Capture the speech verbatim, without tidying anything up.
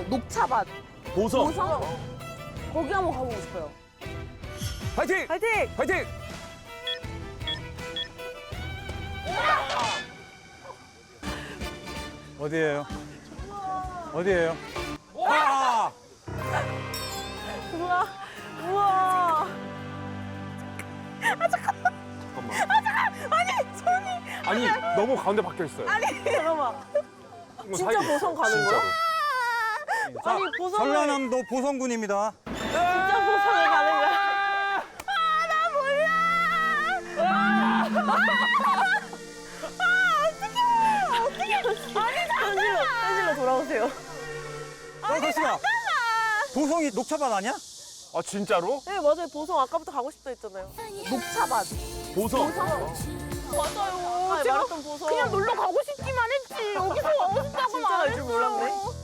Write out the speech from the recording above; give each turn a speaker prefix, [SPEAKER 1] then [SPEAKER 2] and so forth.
[SPEAKER 1] 녹차밭.
[SPEAKER 2] 보성.
[SPEAKER 1] 보성? 거기 한번 가보고 싶어요.
[SPEAKER 2] 파이팅!
[SPEAKER 1] 파이팅!
[SPEAKER 2] 파이팅!
[SPEAKER 3] 어디예요? 어디예요? 와!
[SPEAKER 1] 우와, 우와.
[SPEAKER 2] 잠깐만. 아니, 너무 가운데 박혀 있어요.
[SPEAKER 1] 잠깐만. 진짜 보성 가는 거야? 아니, 보성을-
[SPEAKER 3] 전라남도 보성군입니다.
[SPEAKER 1] 진짜 보성을 가는 거야? 현실로, 현실로 돌아오세요.
[SPEAKER 3] 어, 잠시만. 보성이 녹차밭 아니야?
[SPEAKER 2] 아, 진짜로?
[SPEAKER 1] 네, 맞아요. 보성 아까부터 가고 싶다 했잖아요. 녹차밭.
[SPEAKER 2] 보성.
[SPEAKER 1] 맞아요.
[SPEAKER 4] 제가
[SPEAKER 1] 말했던 보성.
[SPEAKER 4] 그냥 놀러 가고 싶기만 했지. 여기서 가고 싶다고는
[SPEAKER 1] 진짜
[SPEAKER 4] 안
[SPEAKER 1] 갈 줄 몰랐네.
[SPEAKER 4] 했어요.